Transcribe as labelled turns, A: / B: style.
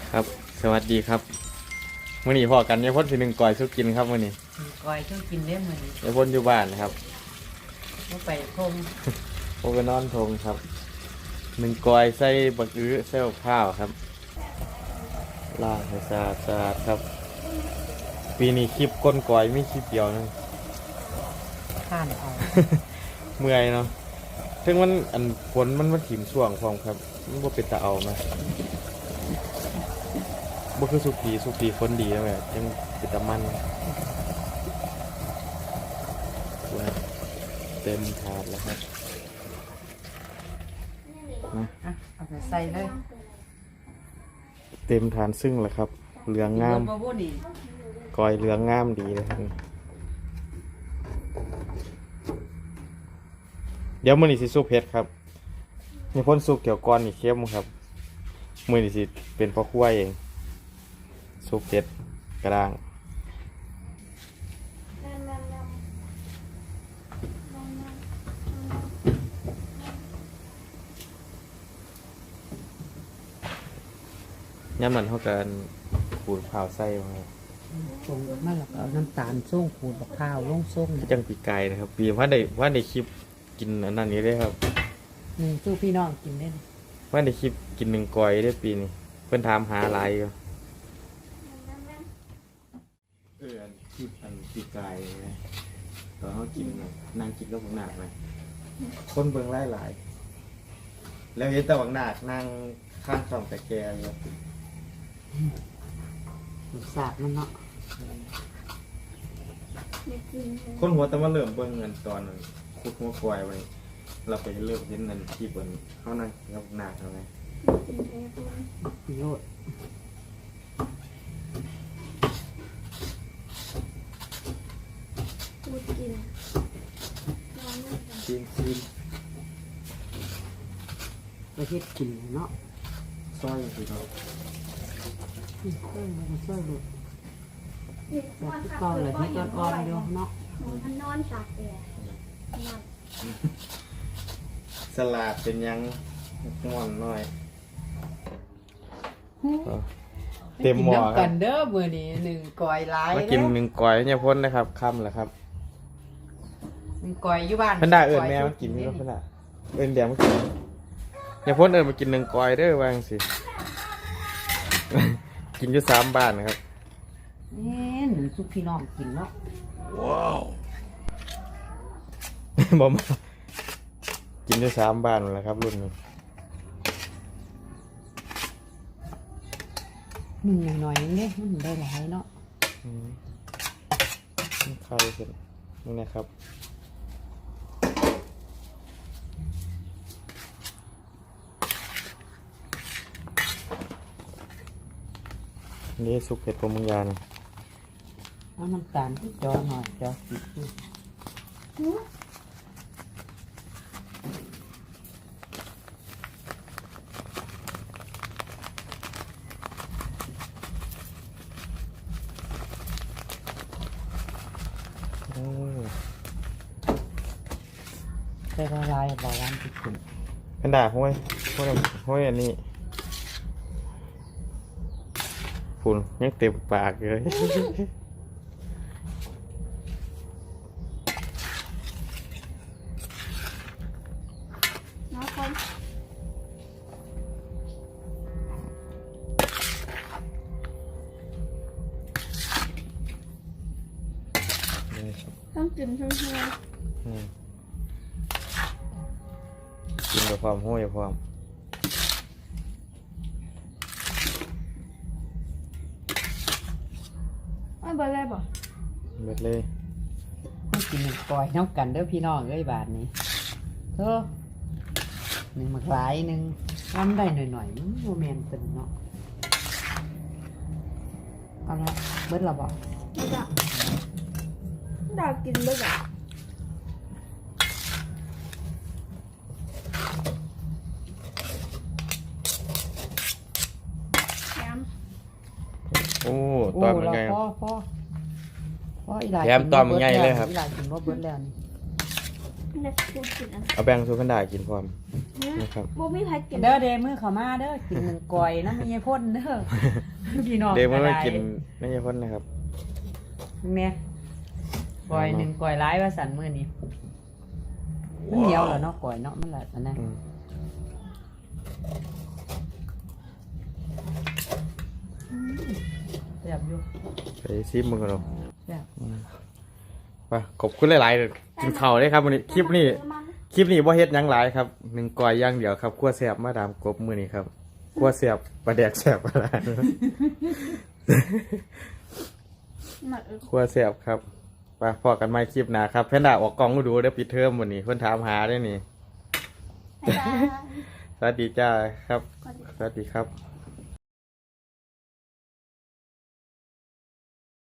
A: ครับสวัสดีครับมื้อนี้พอกันยายพ่นสิหนึ่งก่อยสุกินครับมื้อนี้
B: ก้อยเจ้ากินได้เหมือน
A: ยายพ่นอยู่บ้านครับ
B: ก็ไปทง
A: ผมก็นอนทงครับหนึ่งก่อยใส่บักอื้อใส่ข้าวครับล้างให้สะอาดครับปีนี้คลิปก้นก่อยไม่คลิปเดียวนึง
B: ข้านเอา
A: เมื่อยเนาะถึงมันอันฝนมันถิ่มช่วงพร้อมครับมันบ่เป็นตาเอาไหมบ่คือสุกีคนดีแล้วแม่ยังเป็นตามันเต็มถาดแล้วครับ
B: เอาไปใส่เลย
A: เต็มฐานซึ่งแล้วครับเหลืองงามก้อยเหลืองงามดีเลยครับเดี๋ยวมื้อนี้สิซุปเผ็ดครับมีพ่นซุปเกี่ยวก้อนนี่เข้มครับมื้อนี้สิเป็นพ่อครัวเองซุปเผ็ดกระด้างย่ำนั้นเขากันขูดข้าวไส้มา
B: ทงมาแล้วก็เอาน้ำตาลส่งขูดบักข้าวลงส่ง
A: จังปีไก่นะครับปีว่าได้คลิปกินอันนั้นนี้ได้ครับ
B: นี่สู้พี่น้องกินได้
A: ว่าได้คลิปกินหนึ่งกอยได้ปีนี้เพื่อนถามหาอะไรก็คลิปอันปีไก่ตอนเขากินนางกินก็บังหนักเลยคนเบิ่งหลายแล้วเห็นแต่บังหนักนั่งข้างช่องแต่แกอยู่
B: สาดมันเนาะ
A: คนหัวแต่ว่าเริ่มเบิ่งเงินตอนขุดหัวกอยไว้เราไปเริ่มเห็นนั่นที่เบิ่งเขานั่งกับหนักทำไง
B: โยด
A: ซีน
B: ไปเฮ็ดกินเนาะ
A: ซอยสิครับ
B: ช่วยดูแบบที่เก่าเลยที่อ่อนๆอยู่เนาะ
C: มันนอนตากแดด
A: สลัดเป็นยังง่อนหน่อยเต็มหม้อค
B: กั
A: รับ
B: นเด้อมื้อนี้หนึ่งก้อยหลาย
A: มากินหนึ่งก้อยเนี่ยพ้นนะครับค่ำแล้วครับ
B: หนึ่งก้อยอยู่บ้าน
A: เพิ่นด่าเอิญแม่มากินนี่ก็เพิ่นด่าเอิญเดี๋ยวมากินเนี่ยพ้นเอิญมากินหนึ่งก้อยเด้อวาจังสิ กินอยู่3 บ้านนะครับ
B: หนึ่งสู้พี่น้องกินเนาะ
A: ว้าวบอมากินอยู่3 บ้านแล้วครับรุ่นนี้
B: หนึ่งหน่อยๆนี่มันได้หลายเนาะ
A: ใครเสร็จนี่นะครับนี่สุกเผ็ดปมุงยาน
B: เอาน้ำตาลที่จอหน่อยจอสิใส่ละลายบาหวานที่ขึ้น
A: เป็นด่าห้วยอันนี้ฝุ่นยังเต็มปากเลย
C: น้องคน ต้องกินทั้งตัว
A: กินกับความห้วยความ
C: ไม่เบอร์อะไรบ่
A: เบ็ดเลย
B: ต้องกินหนึ่งก้อยน้ำกันเด้อพี่น้องเอ้ยบาทนี้เออหนึ่งหมักหลายหนึ่งทำได้หน่อยๆมันโมเมนต์เป็นเนาะเอาละเบิดละบอก
C: ไม่ได้ได้กินเบอร์อะแถม
A: โอ้ตอนมันไง
B: พ่ออีหลา
A: แถมตอนมันใหญ่เลยครับ
B: อีหลากินว่าเบิดแล้วนี่
C: นักกูกินอัน
A: เอาแบ่งสู่กันได้กินพร้อม
C: นี้
A: นะครับ
C: บ่มีใครกิน
B: เด้อเดมือเขามาเด้อกินหนึ่งก้อยนะไม่ใช่พ่นเด้อพี่น้อง
A: เดี๋ยวมัน
B: ก็
A: ไม่
B: ได้
A: กินไม่ใช่คนนะครับ
B: เนี่ยก้อยหนึ่งก้อยร้ายว่าสันมือนี้มันเหนียวเหรอเนาะก้อยเนาะมันละอันนั้น
A: อืม
B: แซ่บอยู่
A: ไปซิมมึงกันเนาะ
B: แซ่บ
A: ไปขอบคุณหลายๆกินข้าวเลยครับวันนี้คลิปนี้บ่เฮ็ดหยังหลายครับหนึ่งก้อยอย่างเดียวครับคั่วแซ่บมาดามกบมื้อนี้ครับคั่วแซ่บปลาแดกแซ่บอะไร
C: หมักเออ
A: คั่วแซ่บครับไปพอกันใหม่คลิปหน้าครับแพนด้าออกกล้องมาดูเด้อปิดเทอมวันนี้เพิ่นถามหาได้นี่
C: บ๊ายบาย
A: สวัสดีจ้าครับ
C: สวัสดี
A: สวัสดีครับ